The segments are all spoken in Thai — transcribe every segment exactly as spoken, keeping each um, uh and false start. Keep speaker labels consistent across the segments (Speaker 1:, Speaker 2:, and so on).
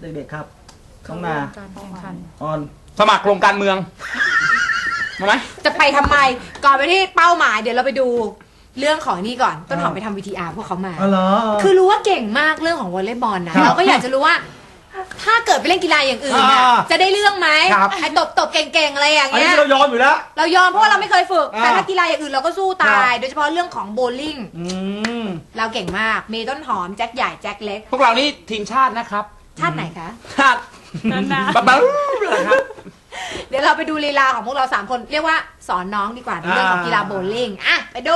Speaker 1: เด็กๆครับน้องนา
Speaker 2: การแข่งขัน
Speaker 1: ออน
Speaker 3: สมัครลงการเมืองมาไหม
Speaker 2: จะไปทำไมก่อนไปที่เป้าหมายเดี๋ยวเราไปดูเรื่องของนี่ก่อนต้นหอมไปทำวีทีอาร์พวกเขามา
Speaker 1: อ๋อเหรอ
Speaker 2: คือรู้ว่าเก่งมากเรื่องของวอลเลย์บอลนะครับ เราก็อยากจะรู้ว่า ถ้าเกิดไปเล่นกีฬาอย่างอื่นน่ะ
Speaker 1: อ่า
Speaker 2: จะได้เรื่องไหม
Speaker 1: ครับ
Speaker 2: ไอ้ตบตบเก่งๆอะไรอย่าง
Speaker 1: อัน
Speaker 2: เงี้
Speaker 1: นี้
Speaker 2: ย
Speaker 1: เรายอมอยู่แล้ว
Speaker 2: เรายอมเพราะว่าเราไม่เคยฝึก
Speaker 1: อ่า
Speaker 2: แต่ถ้ากีฬาอย่างอื่นเราก็สู้ตาย
Speaker 1: ครับ
Speaker 2: โดยเฉพาะเรื่องของโบว์ลิ่ง
Speaker 1: อืม
Speaker 2: เราเก่งมากมีต้นหอมแจ็คใหญ่แจ็คเล็ก
Speaker 3: พวกเรานี่ทีมชาตินะครับ
Speaker 2: ชาติไหนคะ
Speaker 3: ชาตินานๆบ๊ะครับ
Speaker 2: เดี๋ยวเราไปดูลีลาของพวกเราสามคนเรียกว่าสอนน้องดีกว่าในเรื่องของกีฬาโบว์ลิ่งอ่ะไปดู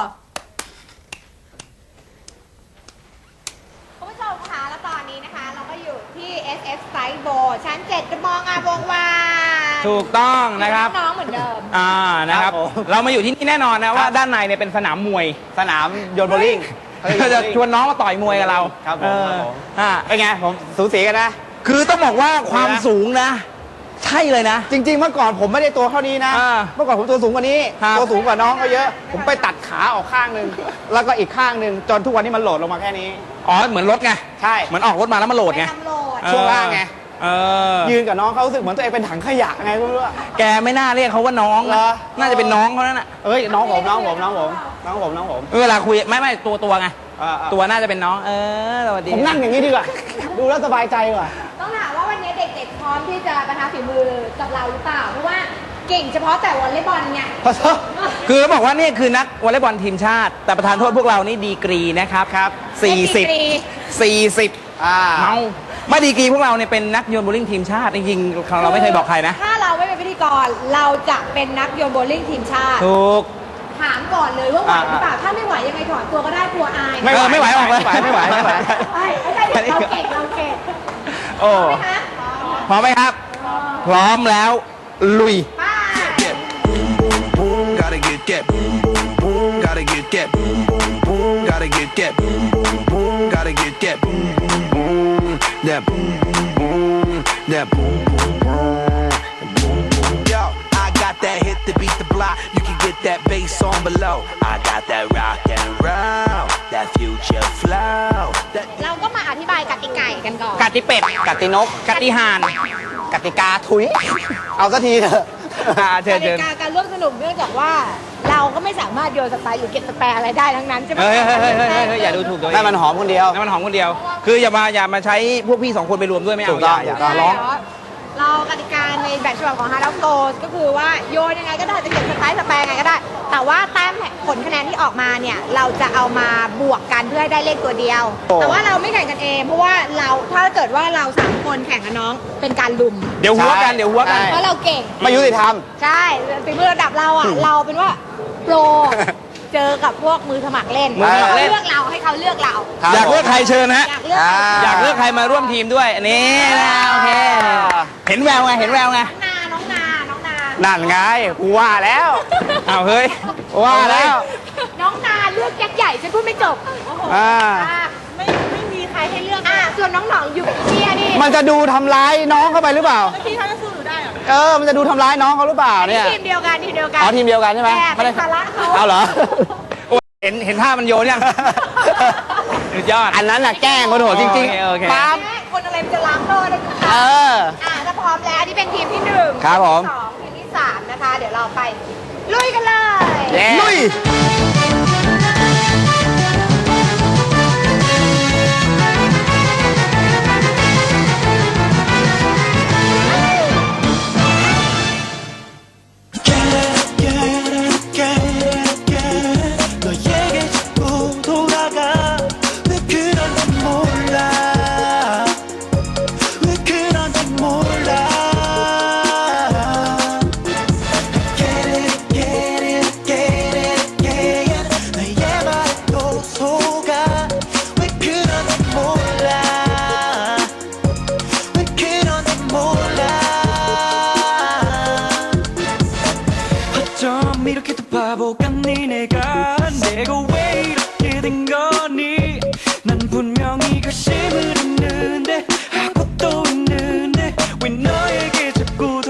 Speaker 2: คุณผู้ชมคะแล้วตอนนี้นะคะเราก็อยู่ที่ เอส เอฟ Side Bowl ชั้นเจ็ดมองอาวงวาน
Speaker 3: ถูกต้องนะครับ
Speaker 2: น้องๆเหมือนเดิม
Speaker 3: อ่านะครับ
Speaker 1: ครับผม
Speaker 3: เรามาอยู่ที่นี่แน่นอนนะว่าด้านในเนี่ยเป็นสนามมวย
Speaker 4: สนามโยนโบลิ่ง
Speaker 3: เราจะชวนน้องมาต่อยมวยกับเรา
Speaker 4: ครับผม
Speaker 3: เออ
Speaker 4: ครับผม
Speaker 3: อ่า
Speaker 4: เป็นไงผมสูสีกันนะ
Speaker 3: คือต้องบอกว่าความสูงนะ ใช่เลยนะ
Speaker 4: จริง ๆ เมื่อก่อนผมไม่ได้ตัวเท่านี้นะ
Speaker 3: อ่า
Speaker 4: เมื่อก่อนผมตัวสูงกว่านี้
Speaker 3: ครับ
Speaker 4: ตัวสูงกว่าน้องเขาเยอะ ผมไปตัดขาออกข้างหนึ่งแล้วก็อีกข้างหนึ่งจนทุกวันนี้มันโหลดลงมาแค่นี้
Speaker 3: อ๋อเหมือนรถไง
Speaker 4: ใช่
Speaker 3: เหมือนออกรถมาแล้วมาโหลด
Speaker 2: ไป
Speaker 3: ไง
Speaker 2: ทำโหลด
Speaker 4: ช่วงล่างไง
Speaker 3: เออ
Speaker 4: ยืนกับน้องเขารู้สึกเหมือนตัวเองเป็นถังขยะไงไม่รู้อะ
Speaker 3: แกไม่น่าเรียกเขาว่าน้อง
Speaker 4: เหร
Speaker 3: นะ
Speaker 4: อ
Speaker 3: น่าจะเป็นน้องเขานั่นน่ะ
Speaker 4: เอ้ยน้องผมน้องผมน้องผมน้องผมน้องผม
Speaker 3: เวลาคุยไม่ไม่ตัวตัวไง
Speaker 4: อ่าๆ
Speaker 3: ตัวน่าจะเป็นน้อง เออสวัสดี
Speaker 4: ผมนั่งอย่างนี้ดีกว่า ดูแล้วสบายใจกว่า
Speaker 2: ต้องถามว่าวันนี้เด็กๆพร้อมที่จะประทะฝีมือกับเราหรือเปล่าเพราะว่าเก่งเฉพาะแต่วอลเลย์บอลไง
Speaker 4: ขอโทษ
Speaker 3: คือบอกว่านี่คือนักวอลเลย์บอลทีมชาติ แต่ประธานโทษพวกเรานี่ดีกรีนะครับ
Speaker 4: ครับ
Speaker 3: สี่สิบ
Speaker 2: ดีกรี
Speaker 3: สี่สิบ
Speaker 4: อ่า
Speaker 3: เมาไม่ดีกรีพวกเราเนี่ยเป็นนักโยนโบว์ลิ่งทีมชาติจริงๆเราไม่เคยบอกใครนะ
Speaker 2: ถ้าเราไม่เป็นพิธีกรเราจะเป็นนักโยนโบว์ลิ่งทีมชาติ
Speaker 3: ถูก
Speaker 2: ถามก่อนเลยว่าไหวหรือเปล่าถ้าไม่ไหวยังไงถอนตัวก็ได้กลัวอาย
Speaker 4: ไม่ไหว
Speaker 3: เออไม่ไหวออกเลย
Speaker 4: ไม่ไหวไม่ไหว
Speaker 2: ใช่ไม่ใช่เราเก่งเราเก่ง
Speaker 3: โอ้
Speaker 2: ไหมคะ
Speaker 3: พร้อมไหมครับ พร้อมแล้ว ลุย
Speaker 2: ไป้า
Speaker 5: boom, gotta get that boom, boom, boom, gotta get that boom, boom, boom, gotta get that boom, boom, boom, gotta get that boom, boom, boom, that boom, boom, boom, that boom, boom, boom, boom, boom. Yo, I got that hit to beat the block. You can get that bass on below. I got that rock and roll, that future flow. That
Speaker 2: เราก็มาอธิบายกติกากันก่อน
Speaker 3: กติเป็ด
Speaker 4: กตินก
Speaker 3: กติห่าน
Speaker 4: กติกาถุย เอาสักทีเถอะ
Speaker 3: อ่าเชิ
Speaker 2: ก
Speaker 3: ญเชิ
Speaker 2: ติ
Speaker 3: ญ
Speaker 2: กาการร่วมสนุกเนื่องจากว่าเราก็ไม่สามารถโยนสไตล์หรือเก็บสแปรอะไรได้ทั้งนั้นใช่ไหม
Speaker 3: เฮ้ยเฮ้ยเฮ้ยเฮ้ยเฮ้ยเฮ้ยอย่าดูถูกตัวเอง
Speaker 4: นั่นมันหอมคนเดียว
Speaker 3: นั่นมันหอมคนเดียว คืออย่ามาอย่ามาใช้พวกพี่สองคนไปรวมด้วยไม่เอา
Speaker 4: ถูกต้อง
Speaker 3: อย่า
Speaker 4: ถูกต้
Speaker 3: อย่าร้อง
Speaker 2: เรากติกาในแบบฉบับของฮาร์ดโกลก็คือว่าโยนยังไงก็ได้จะเก็บสไตล์สแปรยังไงก็ได้ แต่ว่าแต้มผลคะแนนที่ออกมาเนี่ยเราจะเอามาบวกกันเพื่อให้ได้เลขตัวเดียว
Speaker 4: โอ้
Speaker 2: แต่ว่าเราไม่แข่งกันเองเพราะว่าเราถ้าเกิดว่าเราสามคนแข่งกับน้องเป็นการลุม
Speaker 3: เดี๋ยวหัวกันเดี๋ยวหัวกัน
Speaker 4: ใช่
Speaker 2: เพราะเราเก่ง
Speaker 4: ไม่ยุติธรรม
Speaker 2: ใช่ฝีมือระดับเราอ่ะ เราเป็นว่าโปร เจอกับพวกมือสมัครเล่น
Speaker 3: มือสมัครเล่น
Speaker 2: เลือกเราให้เขาเลือกเรา
Speaker 4: ครับ
Speaker 3: อยากเลือกใครเชิญนะฮะ
Speaker 2: อยากเลือก
Speaker 4: อ่า
Speaker 3: อยากเลือกใครมาร่วมทีมด้วยอันนี้นะโอเคเห็นแววไงเห็นแววไง
Speaker 2: นาน้องนาน้องนา
Speaker 4: นั่นไงกูว่าแล้ว
Speaker 3: อ้าวเฮ้ย
Speaker 4: ว่าแล้ว
Speaker 2: น้องนาเลือกแจ็คใหญ่ฉันพูดไม่จบ
Speaker 4: อ่า
Speaker 2: ไม่ไม่มีใครให้เลือกอ่ะส่วนน้องหนองอยู่กับเชียนี่
Speaker 4: มันจะดูทำร้ายน้องเข้าไปหรือเปล่า
Speaker 2: พี่เขาจะสู้หนูได้เหรอ
Speaker 4: เออ มันจะดูทำร้ายน้องเขาหรือเปล่าเนี่ย
Speaker 2: ทีมเดียวกันทีมเดียวกัน
Speaker 4: อ๋อทีมเดียวกันใช่ไหม
Speaker 2: แต่เป็นภาระเขา
Speaker 4: เอาเหรอ
Speaker 3: โอ้ยเห็นเห็นท่ามันโยนยังสุดยอด
Speaker 4: อันนั้นน่ะแกล้งคนโหดจริง
Speaker 3: โอเคโอเค
Speaker 4: ๆปั๊บ
Speaker 2: แม่คนอะไรมันจะล้างโลกได้ทุกค
Speaker 4: เอ
Speaker 2: รั้ง
Speaker 4: อ
Speaker 2: อ่ะถ้าพร้อมแล้วนี่เป็นทีมที่หนึ่ง
Speaker 4: ครับผม
Speaker 2: ทีสองทีมที่สามนะคะ เดี๋ยวเราไปลุยกันเลย
Speaker 4: เย้
Speaker 3: ลุย
Speaker 5: 너에게 자꾸 돌아가 왜 그런지 몰라 왜 그런지 몰라 Get it get it get it get it 너의 말에 또 속아 왜 그런지 몰라 왜 그런지 몰라 어쩜 이렇게도 바보 같니 내가 내가 왜 이렇게 된 거니 난 분명히 결심을 했는데 하고 또 있는데 왜 너에게 자꾸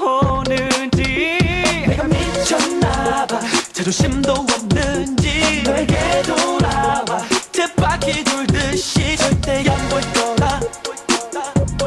Speaker 5: 돌아오는지 내가 미쳤나봐 자존심도 없는지 너에게 돌아와 쳇바퀴 돌듯이 절대 안 볼 거라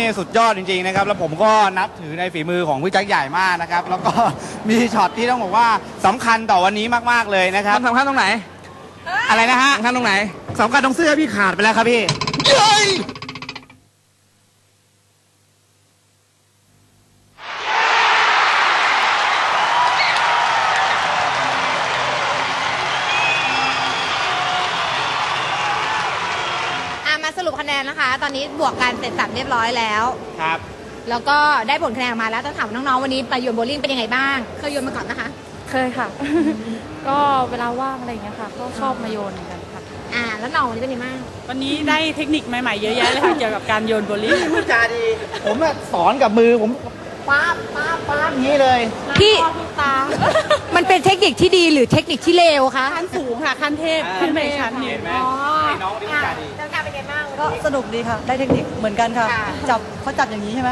Speaker 4: สุดยอดจริงๆนะครับ แล้วผมก็นับถือในฝีมือของพี่แจ็คใหญ่มากนะครับ แล้วก็มีช็อตที่ต้องบอกว่าสำคัญต่อวันนี้มากๆเลยนะครับ
Speaker 3: มันสำคัญตรงไหน
Speaker 4: อะไรนะฮะ
Speaker 3: สำคัญตรงไหน
Speaker 4: สำคัญตรงเสื้อพี่ขาดไปแล้วครับพี่
Speaker 2: อ่ะมาสรุปคะแนนนะคะ ตอนนี้บวกกันเสร็จสับเรียบร้อยแล้ว
Speaker 4: ครับ
Speaker 2: แล้วก็ได้ผลคะแนนออกมาแล้วต้องถามน้องๆวันนี้ไปโยนโบว์ลิ่งเป็นยังไงบ้าง เคยโยนมาก่อนนะคะ
Speaker 6: เคยค่ะ ก็เวลาว่างอะไรอย่างเงี้ยค่ะ ก็ชอบมาโยนเหมือนกันค่ะ
Speaker 2: อ่า แล้วน้องวันนี้เป็นยังไงบ้าง
Speaker 7: วันนี้ได้เทคนิคใหม่ๆ เยอะแยะเลยค่ะ เกี่ยวกับการโยนโบว์ลิ่ง
Speaker 4: พูดจาดี ผมอะสอนกับมือผมป้าบป้าบป้าบอย่างนี้เลย
Speaker 2: พี่ มันเป็นเทคนิคที่ดีหรือเทคนิคที่เลวคะ
Speaker 7: ขั้นสูงค่ะ ขั้นเทพขึ้นไปอีกชั้นหนึ่ง
Speaker 2: อ๋อ
Speaker 4: ให้น้องนี่พูดจาดี
Speaker 2: เจ้าการเป็นยังไงบ้าง
Speaker 8: ก็สนุกดีค่ะ ได้เทคนิคเหมือนกันค่ะ
Speaker 2: ค่ะ
Speaker 8: จับเขาจับอย่างนี้ใช่ไหมคะ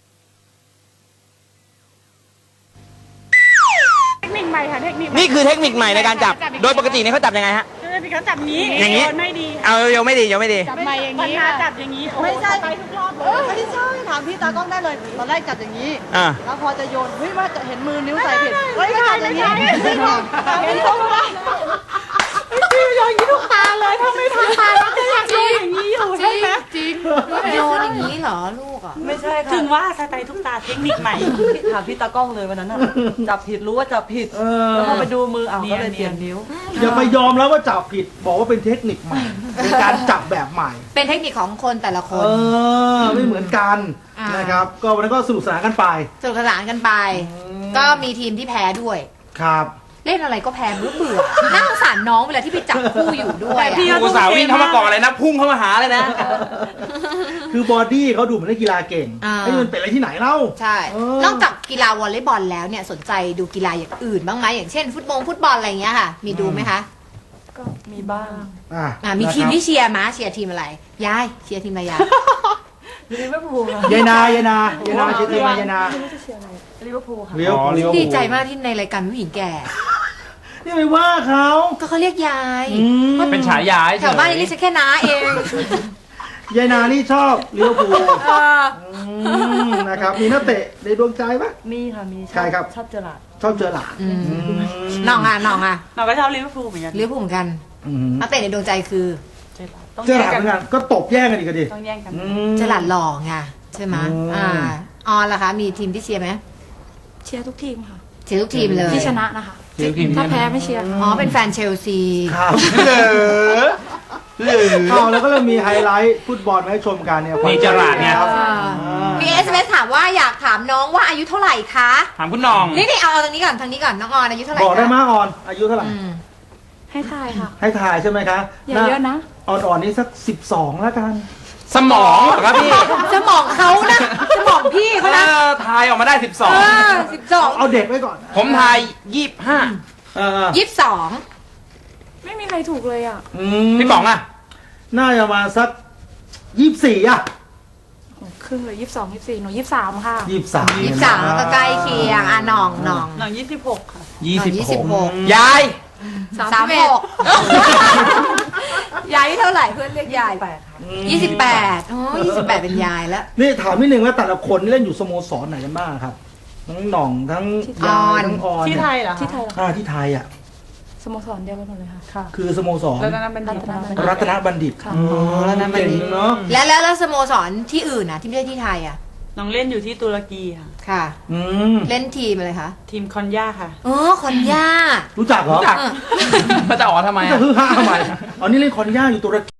Speaker 7: เทคนิคใหม่ค่ะ เทคนิคใหม่
Speaker 3: นี่คือเทคนิคใหม่ในการจับ โดยปกติเนี่ยเขาจับยังไงฮะ
Speaker 7: คือเขาจับนี้
Speaker 3: อย่างนี้
Speaker 7: โยนไม่ดี
Speaker 3: เอาเร็วไม่ดีเร็วไม่ดี
Speaker 7: จับใหม่อย่างนี้จับอย่างนี้
Speaker 8: ไม่ใช่
Speaker 7: ไปทุกรอบเล
Speaker 8: เออย ไม่ใช่ถามพี่ตากล้องได้เลย ตอนแรกจับอย่างนี้
Speaker 3: อ่า
Speaker 8: แล้วพอจะโยน เฮ้ยว่าจะเห็นมือนิ้วใส่ผิดเฮ้ยไม่จับอย่างนี้
Speaker 7: ไม่ใช่เห็นทุกตาพี่โยนอย่างนี้ทุกตาเลยถ้าไม่ทันตาแล้วจะอยากโยนอย่างนี้อยู่ใช่ไหม
Speaker 2: จริงโยนอย่างนี้เหรอลูกอ่ะ
Speaker 8: ไม่ใช่ค่ะ
Speaker 7: ถึงว่าสไตล์ทุกตาเทคนิคใหม่
Speaker 8: พี่ถามพี่ตากล้องเลยวันนั้นน่ะ จับผิดรู้ว่าจับผิด
Speaker 1: เออ
Speaker 8: แล้วพอไปดูมืออ้าวก็เลย
Speaker 7: เนี
Speaker 8: เปลี่
Speaker 7: ย
Speaker 8: ย
Speaker 7: น
Speaker 8: นนิ้ว
Speaker 1: อย่าไปยอมแล้วว่าจับผิด บอกว่าเป็นเทคนิคใหม่ เป็นการจับแบบใหม่
Speaker 2: เป็นเทคนิคของคนแต่ละค
Speaker 1: เอน อ ไม่เหมือนกัน
Speaker 2: อ่าน
Speaker 1: นะครับ ก็วันนั้นก็สนุกสนานกันไป
Speaker 2: สนุกสนานกันไป ก็มีทีมที่แพ้ด้วย
Speaker 1: ครับ
Speaker 2: เล่นอะไรก็แพ้เบื่อเบื่อน่าสงสารน้องเวลาที่ไปจับคู่อยู่ด้วยอะ
Speaker 7: พี่
Speaker 3: กูสาววิ่งเข้ามาก่อนเลยนะ พุ่งเข้ามาหาเลยนะ
Speaker 1: คือบอดี้เขาดูเหมือนนักกีฬาเก่ง
Speaker 2: อ่า
Speaker 1: ไอ้มันเป็นอะไรที่ไหนเล่า
Speaker 2: ใช่
Speaker 1: เออ
Speaker 2: นอกจากกีฬาวอลเลย์บอลแล้วเนี่ยสนใจดูกีฬาอย่างอื่นบ้างไหมอย่างเช่น ฟุตบอลฟุตบอลอะไรอย่างเงี้ยค่ะ มีดูไหมคะ
Speaker 8: ก็มีบ้าง
Speaker 1: อ่ะ
Speaker 2: อ่ามีทีม
Speaker 1: นะครับ
Speaker 2: ที่เชียร์มาเชียร์ทีมอะไร ยายเชียร์ทีมอะไรยาย
Speaker 8: ลิเวอร์พูลค่ะ
Speaker 1: ยายนายายนายายนาเชียร์ทีมอะไรยายนา
Speaker 8: ไม่รู้จะเชียร์อะไรลิเวอร์พูลค่ะ
Speaker 1: เลี้ยว
Speaker 4: อ๋อ
Speaker 1: เลี้ยว
Speaker 2: ดีใจมากที่ในรายการผู้หญิงแก่
Speaker 1: นี่ไปว่าเขา
Speaker 2: ก็เขาเรียกยาย
Speaker 1: อืม
Speaker 3: เป็นฉายา
Speaker 2: แถวบ้านนี่เรียกฉันแค่น้าเอง
Speaker 1: ยายนานี่ชอบเลี้ยวภูล
Speaker 2: เออ
Speaker 1: อืมนะครับ มีนักเตะในดวงใจปะ
Speaker 8: มีค่ะ มีช
Speaker 1: ใครครับ
Speaker 8: ชอบเจอราร์ด
Speaker 1: ชอบเจอหลาน
Speaker 2: อืม
Speaker 1: อืม
Speaker 2: น้องอ่ะน้องอ่ะ
Speaker 7: เราก็ชอบลิเวอร์พูลเหมือนกัน
Speaker 2: เลี้ยวผูกเหมือนกัน
Speaker 1: อืม
Speaker 2: นักเตะในดวงใจคือ
Speaker 7: เจอราร์ดต้อง
Speaker 1: เจอห
Speaker 7: แย่
Speaker 1: ลาน
Speaker 7: ง
Speaker 1: เห
Speaker 7: กั
Speaker 1: มือน นกันก็ตบแย่งกันอีกอะดิ
Speaker 7: ต้องแย่งกัน
Speaker 1: อืม
Speaker 2: เจอหลานหล่อไงใช่ไหม
Speaker 1: อืม
Speaker 2: อ่าออนล่ะคะ มีทีมที่เชียร์ไหม
Speaker 6: เชียร์ทุกทีมค่ะ
Speaker 2: เชียร์ทุกทีมเลย
Speaker 6: ที่ชนะนะคะ ถ้าแพ้ไม่เชียร์ค่ะ
Speaker 2: อ๋อเป็นแฟนเชลซี
Speaker 1: ครับ
Speaker 3: เหลือเหลือ
Speaker 1: เอาแล้วก็เริ่มมีไฮไลท์ฟุตบอลมาให้ชมกันเนี่ย
Speaker 3: นี่เจอหลานเนี่ย
Speaker 1: ครับ
Speaker 2: อ่า
Speaker 1: อ่า
Speaker 2: มีเอสเอสถามว่าอยากถามน้องว่าอายุเท่าไหร่คะ
Speaker 3: ถามคุณน้อง
Speaker 2: นี่นี่เอาเอาทางนี้ก่อนทางนี้ก่อนน้องออนอายุเท่าไหร่
Speaker 1: บอกได้
Speaker 2: คะ
Speaker 1: มาออน อายุเท่าไหร่
Speaker 2: อืม
Speaker 6: ให้ทายค่ะ
Speaker 1: ให้ถ่ายใช่ไหมคะ
Speaker 6: อย่าเยอะนะ
Speaker 1: อ่อนๆนี่สักสิบสองแล้วกัน
Speaker 3: สมองเหรอครับพี่
Speaker 2: สมองเขานะสมองพี่เขา
Speaker 3: เอ
Speaker 2: นะ
Speaker 3: อทายออกมาได้สิบสอง
Speaker 2: เออสิบสอง
Speaker 1: เอาเด็กไว้ก่อน
Speaker 3: ผมทายยี่สิบห้า
Speaker 1: เออ
Speaker 2: ยี่สิบสอง
Speaker 6: ไม่มีใครถูกเลยอ่ะ
Speaker 1: อืม
Speaker 3: พี่ป๋องอ่ะ
Speaker 1: น่าจะมาสักยี่สิบสี่อะ
Speaker 6: ครึ่งเลยยี่สิบสองยี่สิบสี่หนูยี่สิบสามค่ะ
Speaker 1: ยี่สิบสาม
Speaker 2: ยี่สิบสามก็ใกล้เคียงอ่ะน้องน้อง
Speaker 7: หนังยี่สิบหกค่ะ
Speaker 3: ยี่สิบ
Speaker 2: ยี่สิบหก
Speaker 3: ยาย
Speaker 2: สามหกยายเท่าไหร่เพื่อนเรียกยาย
Speaker 8: แปดค่ะ
Speaker 2: ยี่สิบแปดอ๋อยี่สิบแปดเป็นยายแล้ว
Speaker 1: นี่ถามนิดนึงว่าแต่ละคนนี่เล่นอยู่สโมสรไหนกันบ้างครับ ทั้งหน่องทั้งยายทั้งออน
Speaker 7: ที่
Speaker 1: เนี่
Speaker 7: ไทยเหรอคะ
Speaker 6: ที่ไทยเหรอ
Speaker 1: อ่าที่ไทยอ่ะ
Speaker 6: สโมสรเดียวกันหมดเลยค่ะ
Speaker 8: ค่ะ
Speaker 1: คือสโมสร
Speaker 7: แล้วนั้นเป็น
Speaker 6: รั
Speaker 7: ดี
Speaker 6: ตนบัณฑิต
Speaker 1: รัตนบัณฑิต
Speaker 6: ค่ะ
Speaker 1: อ๋อ
Speaker 2: รัตนบัณฑิต
Speaker 1: เก่งเนาะ
Speaker 2: แล้วแล้วแล้วสโมสรที่อื่นนะที่ไม่ใช่ที่ไทยอ่ะ
Speaker 7: น้องเล่นอยู่ที่ตุรกีค่ะ
Speaker 2: ค่ะ
Speaker 1: อืม
Speaker 2: เล่นทีมอะไรคะ
Speaker 7: ทีมคอนยาค่ะ
Speaker 2: อ๋อคอนย่า
Speaker 1: รู้จักเหรอ
Speaker 3: รู้จักมันจะอ๋อทำไม
Speaker 1: จะ
Speaker 3: อ่ะ
Speaker 1: ฮือฮาทำไมอ๋อนี่เล่นคอนย่าอยู่ตุรกี